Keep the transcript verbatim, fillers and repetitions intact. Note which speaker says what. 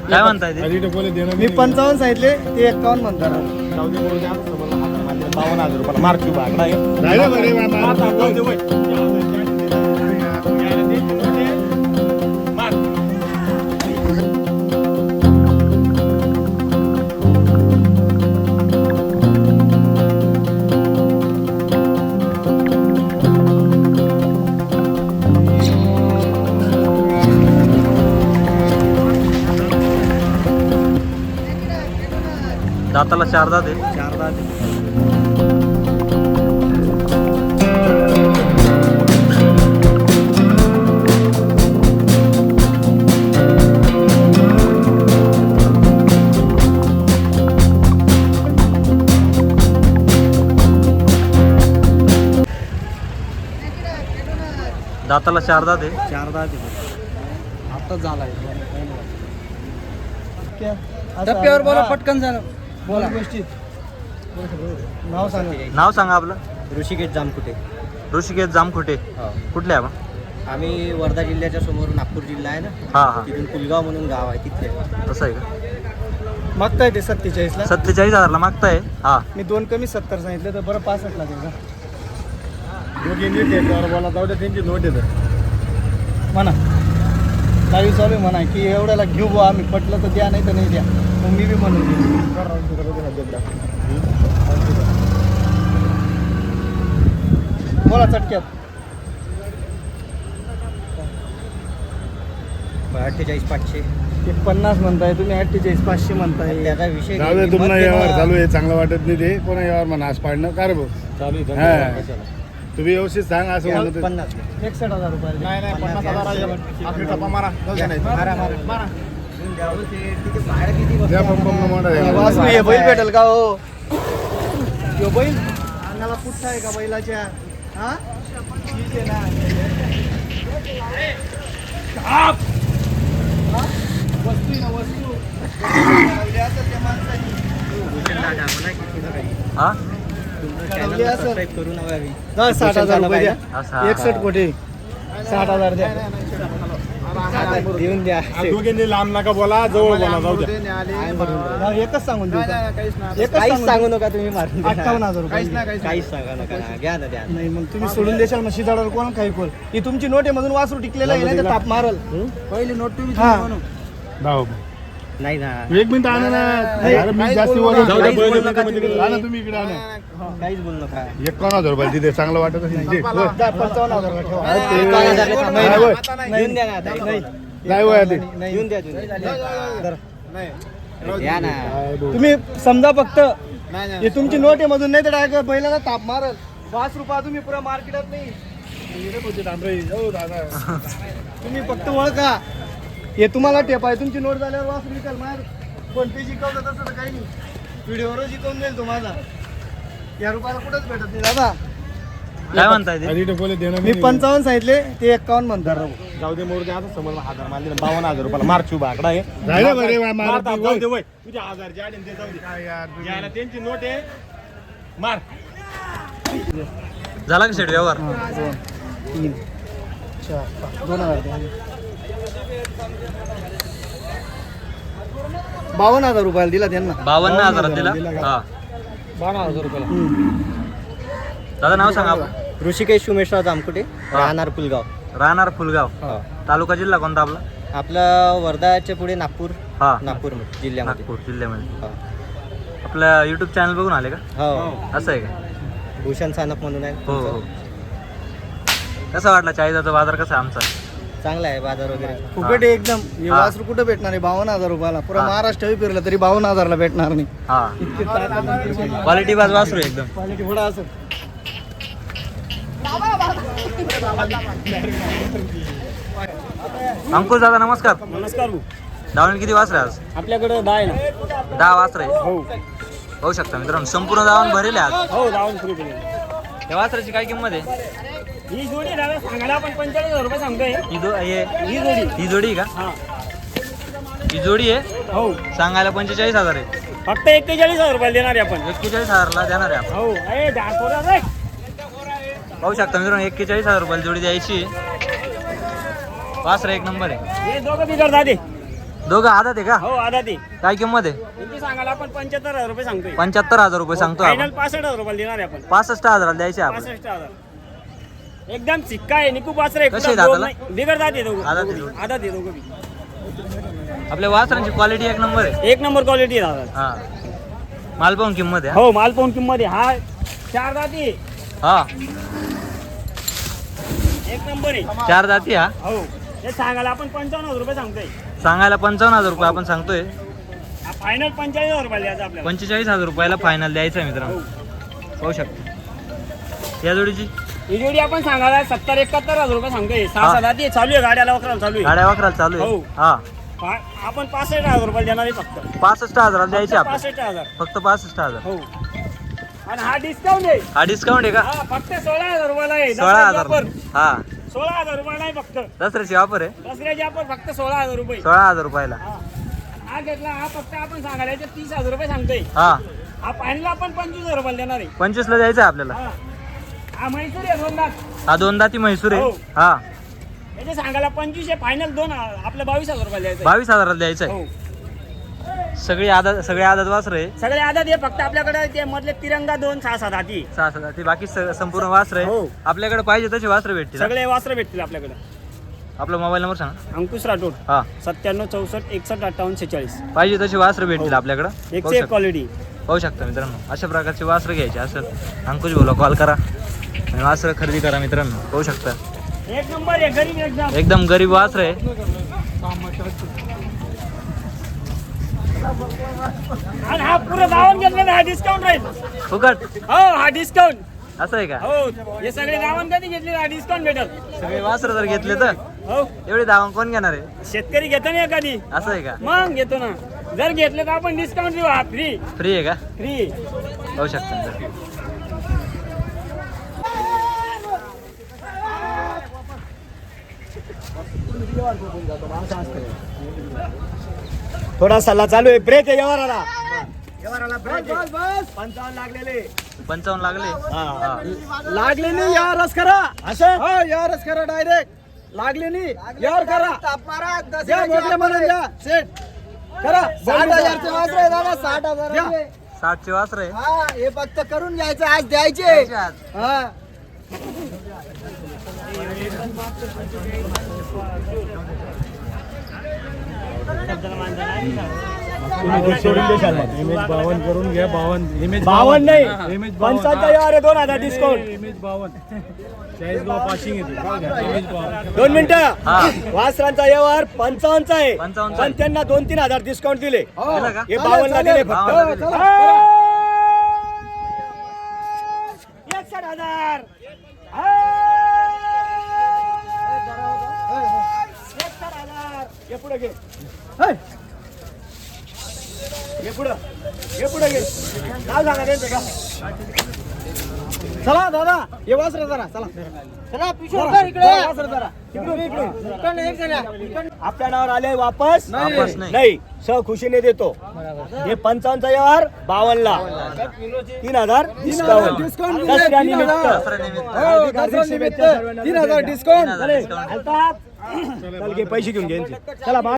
Speaker 1: काय म्हणताय ते?
Speaker 2: मी पंचावन्न सांगितले ते एक्कावन्न म्हणतात. बावन्न हजार रुपयाला मार्क भागला
Speaker 1: दाताला चार दात आहे.
Speaker 2: चार दात
Speaker 1: दाताला चार दात आहे.
Speaker 2: चार दात आताच झालाय.
Speaker 3: टप्प्यावर बोला, पटकन झालं
Speaker 2: बोला गोष्टीत. नाव सांगा.
Speaker 1: नाव सांगा आपलं.
Speaker 3: ऋषिकेश जामकुटे.
Speaker 1: ऋषिकेश जामखुटे.
Speaker 3: हो.
Speaker 1: कुठले आपण?
Speaker 3: आम्ही वर्धा जिल्ह्याच्या समोर नागपूर जिल्हा आहे ना,
Speaker 1: हा हा
Speaker 3: तिथून पुलगाव म्हणून गाव आहे तिथले.
Speaker 1: तसं आहे का?
Speaker 2: मागताय ते सत्तेचाळीस ला.
Speaker 1: सत्तेचाळीस हजारला मागताय. हा
Speaker 2: मी दोन कमी सत्तर सांगितले तर बरं पासष्ट ला देईल का? दोघी नीट बोला जाऊ द्या त्यांची नोट येतं म्हणा. काही चालू आहे म्हणा की एवढ्याला घेऊ बुवा आम्ही, पटलं तर द्या नाही तर नाही द्या. मग मी बी म्हणून देईन. बोला चटक्यात.
Speaker 3: अठ्ठेचाळीस पाचशे
Speaker 2: ते पन्नास म्हणताय तुम्ही, अठ्ठेचाळीस पाचशे म्हणताय.
Speaker 3: त्याचा विषय
Speaker 4: जाऊ दे, तुम्हाला यावर चालू आहे, चांगलं वाटत नाही ते कोणा यावर म्हणा आज पाडणं का रे भाऊ. तुम्ही व्यवस्थित सांग असं म्हणत
Speaker 3: पन्नास
Speaker 2: एकसष्ट हजार रुपये.
Speaker 4: नाही नाही पन्नास हजार आपली टप्पा मारा
Speaker 3: मारा मारा मारा. भाडं किती बसतं?
Speaker 4: द्या पंप मोठा
Speaker 2: वासरू हे बैल भेटेल का हो? यो बैल अंगाला पुठ्ठा आहे का बैलाच्या? हा ठीक आहे ना. हा? वस्तू आहे ना वस्तू. ठरवली असेल त्या माणसाने.
Speaker 1: हा
Speaker 2: ठरवली असेल.
Speaker 3: सबस्क्राईब करून हवी.
Speaker 2: जा, साठ हजार रुपये द्या.
Speaker 1: असं
Speaker 2: एकसष्ट कोटी साठ हजार द्या.
Speaker 3: देऊन द्या.
Speaker 4: दोघींनी लांब नका बोला, जवळ बोला, जाऊ द्या.
Speaker 2: हा, एकच सांगून देऊ का? एकच
Speaker 3: काहीच
Speaker 2: सांगून
Speaker 3: सांगू
Speaker 2: देऊ.
Speaker 3: नका तुम्ही मारून द्या.
Speaker 2: अठ्ठावन्न हजार रुपये.
Speaker 3: काहीच सांगा नका ना. घ्या ना द्या.
Speaker 2: नाही मग तुम्ही सोडून देशाल मग शिजाडावर कोण काही कोण. ही तुमची नोट आहे मधून वासरू टिकलेला आहे ना, ताप मारल.
Speaker 3: पहिली नोट तुम्ही
Speaker 2: हा.
Speaker 4: जाऊ.
Speaker 3: नाही ना.
Speaker 4: एक मिनिट आणा ना.
Speaker 2: नाही,
Speaker 4: अरे मी
Speaker 2: काहीच
Speaker 4: जास्ती
Speaker 2: बोलू
Speaker 4: वजन
Speaker 2: नका.
Speaker 4: जाऊ
Speaker 3: काहीच
Speaker 4: द्या,
Speaker 3: बोलू
Speaker 4: बैल
Speaker 3: नका
Speaker 4: तिकडे.
Speaker 3: तुम्ही.
Speaker 4: आणा तुम्ही इकडे आणा.
Speaker 3: काहीच बोलू नका.
Speaker 4: एकावन्न हजार रुपये तिथे चांगलं वाटत असेल ते. होय.
Speaker 2: जा, पंचावन्न हजार ठेवा.
Speaker 3: एकावन्न हजार ला थांबा.
Speaker 4: नाही, होय.
Speaker 3: देऊन द्या ना आता.
Speaker 2: नाही
Speaker 4: नाही होय आधी.
Speaker 2: नाही.
Speaker 3: देऊन द्या तुम्ही. द्या ना.
Speaker 2: तुम्ही समजा फक्त हे तुमची नोट आहे मधून, नाही तर डायरेक्ट बैलाला ताप मारल. पाच रुपये तुम्ही पुरा मार्केटात नाही. तुम्ही फक्त ओळखा हे तुम्हाला टेप आहे. तुमची नोट झाल्यावर वासरू विकाल. माझ्या फोन पे जिकवलं तसं तर काही नाही. व्हिडिओवर जिकवून देईल तुम्हाला. या रुपयाला कुठंच भेटत नाही दादा.
Speaker 1: काय म्हणताय ते?
Speaker 4: आधी टपोले देणं
Speaker 2: मी पंचावन्न सांगितले ते एक्कावन्न म्हणतात.
Speaker 4: जाऊ दे मोर द्या आता समोर हजार मारले बावन्न हजार रुपयाला मार्क बाकडा आहे. राहिलं बरे वा, मारा ती, जाऊ दे वय. तुझ्या हजार जे आले ते जाऊ दे. काय यार याला त्यांची नोट आहे. मार.
Speaker 1: झाला का शेड व्यवहार?
Speaker 2: दोन तीन चार पाच दोन हजार द्या. बावन्न हजार रुपयाला दिला त्यांना.
Speaker 1: बावन्न हजारात दिला. हा
Speaker 2: बावन्न हजार रुपयाला.
Speaker 1: दादा नाव सांगा आपलं.
Speaker 3: ऋषिकेश उमेशराव जामकुटे, राहणार पुलगाव.
Speaker 1: राहणार फुलगाव. तालुका जिल्हा कोणता आपला?
Speaker 3: आपलं वर्धाच्या पुढे नागपूर.
Speaker 1: हा
Speaker 3: नागपूर जिल्ह्यामध्ये.
Speaker 1: नागपूर जिल्ह्यामध्ये.
Speaker 3: हो.
Speaker 1: आपल्या युट्यूब चॅनल बघून आले का?
Speaker 3: हो.
Speaker 1: असं आहे का?
Speaker 3: भूषण सानप म्हणून आहे.
Speaker 1: हो हो. कसा वाटला चाळीसाचा बाजार कसा आहे आमचा?
Speaker 3: चांगला आहे बाजार वगैरे.
Speaker 2: फुकट आहे एकदम. हे वासरू कुठं भेटणार आहे? बावन्न हजार रुपयाला. पुरा
Speaker 1: हा.
Speaker 2: महाराष्ट्र फिरलं तरी बावन्न हजारला भेटणार नाही.
Speaker 1: हा
Speaker 2: इतके ताट
Speaker 1: क्वालिटी बाज वासरू आहे एकदम.
Speaker 2: क्वालिटी थोडा असं.
Speaker 1: अंकुश दादा नमस्कार.
Speaker 2: नमस्कार.
Speaker 1: दावण किती वासरे आज?
Speaker 2: आपल्याकडे दहा आहे ना.
Speaker 1: दहा वासरे आहे.
Speaker 2: हो
Speaker 1: पाहू शकता मित्रांनो, संपूर्ण दावण भरेल आहे आज.
Speaker 2: हो दावून सुरू केली.
Speaker 1: त्या वासराची काय किंमत आहे?
Speaker 2: ही जोडी दादा सांगायला आपण पंचेचाळीस हजार रुपये सांगतोय.
Speaker 1: ही दो हे
Speaker 2: ही जोडी.
Speaker 1: ही जोडी का?
Speaker 2: हा
Speaker 1: ही जोडी आहे.
Speaker 2: हो
Speaker 1: सांगायला पंचेचाळीस हजार आहे.
Speaker 2: फक्त एक्केचाळीस हजार रुपये देणार आहे आपण.
Speaker 1: एक्केचाळीस हजारला देणार आहे आपण.
Speaker 2: हो ए दहा पोरं रे.
Speaker 1: पाहू शकता मित्रांनो, एक्केचाळीस हजार रुपयाला जोडी द्यायची. वासरा एक नंबर आहे.
Speaker 2: हे दोघं बिगर दादे.
Speaker 1: दोघं आदत आहे का?
Speaker 3: हो आधा ती
Speaker 1: काय किंमत आहे?
Speaker 3: किती सांगायला आपण पंच्याहत्तर हजार रुपये सांगतोय.
Speaker 1: पंच्याहत्तर हजार रुपये सांगतो
Speaker 3: फायनल
Speaker 1: आपण.
Speaker 3: पासष्ट हजार रुपये देणार आहे आपण.
Speaker 1: पासष्ट हजार द्यायचे आपण.
Speaker 3: पासष्ट हजार एकदम सिक्का आहे निकू वासर आहे.
Speaker 1: कसे
Speaker 3: कुठं
Speaker 1: दाताला?
Speaker 3: दोन नाही. बिगर दात आहे दोघं.
Speaker 1: आदत आहे दोघं.
Speaker 3: आदत आहे दोघं बी.
Speaker 1: आपल्या वासरांची क्वालिटी एक नंबर आहे.
Speaker 3: एक नंबर क्वालिटी आहे दादा.
Speaker 1: हा माल पाहून किंमत आहे.
Speaker 3: हो माल पाहून किंमत आहे. हा चार दाती
Speaker 1: हा
Speaker 3: एक नंबर आहे.
Speaker 1: चार जाती. हा
Speaker 3: हो हे सांगायला आपण पंचावन्न हजार रुपये सांगतोय.
Speaker 1: सांगायला पंचावन्न हजार रुपये आपण सांगतोय.
Speaker 3: हा फायनल पंचेचाळीस हजार रुपये द्यायचा आपल्याला.
Speaker 1: पंचेचाळीस हजार रुपयाला फायनल द्यायचं आहे मित्रांनो. पाहू शकता या जोडीची
Speaker 3: ही जोडी आपण सांगायला सत्तर एकाहत्तर हजार रुपये सांगतोय. सहा
Speaker 1: हा.
Speaker 3: सात दाती आहे. चालू आहे गाड्याला वखराला चालू आहे.
Speaker 1: गाड्या वाकराला चालू आहे.
Speaker 3: हो.
Speaker 1: हा
Speaker 3: पा- आपण पासष्ट हजार रुपये देणार आहे फक्त.
Speaker 1: पासष्ट हजार द्यायचे आपण.
Speaker 3: पासष्ट हजार
Speaker 1: फक्त पासष्ट हजार.
Speaker 3: हो आणि हा डिस्काउंट आहे.
Speaker 1: हा डिस्काउंट आहे का?
Speaker 3: हा फक्त सोळा हजार रुपयाला आहे.
Speaker 1: सोळा
Speaker 3: दसऱ्याची
Speaker 1: हजार
Speaker 3: ऑफर.
Speaker 1: हा
Speaker 3: सोळा हजार रुपयाला आहे फक्त.
Speaker 1: दसऱ्याची ऑफर आहे.
Speaker 3: दसऱ्याची ऑफर फक्त सोळा हजार रुपये.
Speaker 1: सोळा हजार रुपयाला.
Speaker 3: हा. हा घेतला हा फक्त आपण सांगायला याचे तीस हजार रुपये सांगतोय.
Speaker 1: हा
Speaker 3: हा फायनल आपण पंचवीस हजार रुपयाला देणार आहे.
Speaker 1: पंचवीस ला द्यायचं आहे आपल्याला.
Speaker 3: हा हा म्हैसूर आहे दोन लाख.
Speaker 1: हा दोनदा ती म्हैसूर आहे.
Speaker 3: हो.
Speaker 1: हा
Speaker 3: याचे सांगायला पंचवीस आहे फायनल दोन आपल्या बावीस हजार रुपयाला द्यायचं आहे.
Speaker 1: बावीस हजाराला द्यायचं आहे.
Speaker 3: हो
Speaker 1: सगळी आदत सगळे आदत वासर आहे.
Speaker 3: सगळे आधार हे फक्त आपल्याकडे ते मधले तिरंगा दोन सहा सात हाती
Speaker 1: सहा हजार ती बाकी स- संपूर्ण वासर आहे.
Speaker 3: हो.
Speaker 1: आपल्याकडे पाहिजे तसे वासर भेटतील.
Speaker 3: सगळे वासरं भेटतील आपल्याकडे.
Speaker 1: आपला मोबाईल नंबर सांगा.
Speaker 3: अंकुश राठोड
Speaker 1: हा
Speaker 3: सत्त्याण्णव चौसष्ट एकसष्ट अठ्ठावन्न शेचाळीस.
Speaker 1: पाहिजे तसे वासर भेटतील
Speaker 3: हो.
Speaker 1: आपल्याकडे.
Speaker 3: एक
Speaker 1: पाहू
Speaker 3: से एक
Speaker 1: शकता
Speaker 3: क्वालिटी.
Speaker 1: पाहू शकता मित्रांनो अशा प्रकारचे वासर घ्यायचे असेल अंकुश बोला कॉल करा आणि वासर खरेदी करा मित्रांनो. पाहू शकता
Speaker 3: एक नंबर आहे गरीब एकदम.
Speaker 1: एकदम गरीब वासर आहे.
Speaker 3: आणि हा पुरं गावात घेतलेला हा डिस्काउंट राहील.
Speaker 1: फुकट
Speaker 3: हो हा डिस्काउंट.
Speaker 1: असं आहे का?
Speaker 3: हो हे सगळे गावात कधी घेतले हा डिस्काउंट भेटल.
Speaker 1: सगळे वासर जर घेतले तर
Speaker 3: हो
Speaker 1: एवढे दावा कोण घेणार आहे?
Speaker 3: शेतकरी घेतो ना एखादी
Speaker 1: असं आहे का?
Speaker 3: मग घेतो ना. जर घेतलं तर आपण डिस्काउंट देऊ. हा फ्री
Speaker 1: फ्री आहे का?
Speaker 3: फ्री.
Speaker 1: पाहू शकता मित्रांनो.
Speaker 3: थोडा सल्ला चालू आहे. ब्रेक आहे व्यवहाराला. व्यवहाराला ब्रेक आहे. पंचावन्न लागलेले.
Speaker 1: पंचावन्न लागले. हा.
Speaker 2: लागले नाही यारच करा. असं हो यारच करा डायरेक्ट. लागले नाही यार करा. द्या मोठे म्हणून द्या सेट करा. साठ हजारचे वासर आहे दादा. साठ हजार
Speaker 1: साठचे वासर आहे.
Speaker 2: हा हे फक्त करून घ्यायचं आज द्यायचे.
Speaker 1: द्यायचे आज.
Speaker 2: हा
Speaker 4: बावन्न करून घ्या. बावन्न
Speaker 3: बावन्न नाही पंचाहत्तर यार दोन हजार डिस्काउंट. दोन मिनिटं.
Speaker 1: हा
Speaker 3: वासरांचा व्यवहार पंचावन्नचा आहे.
Speaker 1: पंचावन्नचा
Speaker 3: पण त्यांना दोन तीन हजार डिस्काउंट दिले.
Speaker 1: दिलं का?
Speaker 3: हे बावन्नला दिले
Speaker 1: बावन्नला
Speaker 3: फक्त.
Speaker 1: दिले.
Speaker 3: एकसठ हजार. एकसठ हजार. हे पुढे घे. हे पुढं हे पुढे घे. नाव सांगा त्यांचं का.
Speaker 2: चला दादा हे वासर जरा चला चला पिशवी इकडे वासर जरा इकडे इकडे इकडे एक जरा
Speaker 3: आपल्या नावावर आले वापस
Speaker 1: वापस नाही.
Speaker 3: नाही स खुशीने देतो. हे पंचावन्नचा व्यवहार बावन्नला तीन हजार डिस्काउंट.
Speaker 2: डिस्काउंट
Speaker 3: दसऱ्यानिमित्त.
Speaker 1: दसऱ्यानिमित्त.
Speaker 2: हो दसऱ्यानिमित्त तीन हजार डिस्काउंट
Speaker 1: तीन हजार डिस्काउंट.
Speaker 3: चालतात. चल घे पैसे घेऊन घे यांचे. चला बा-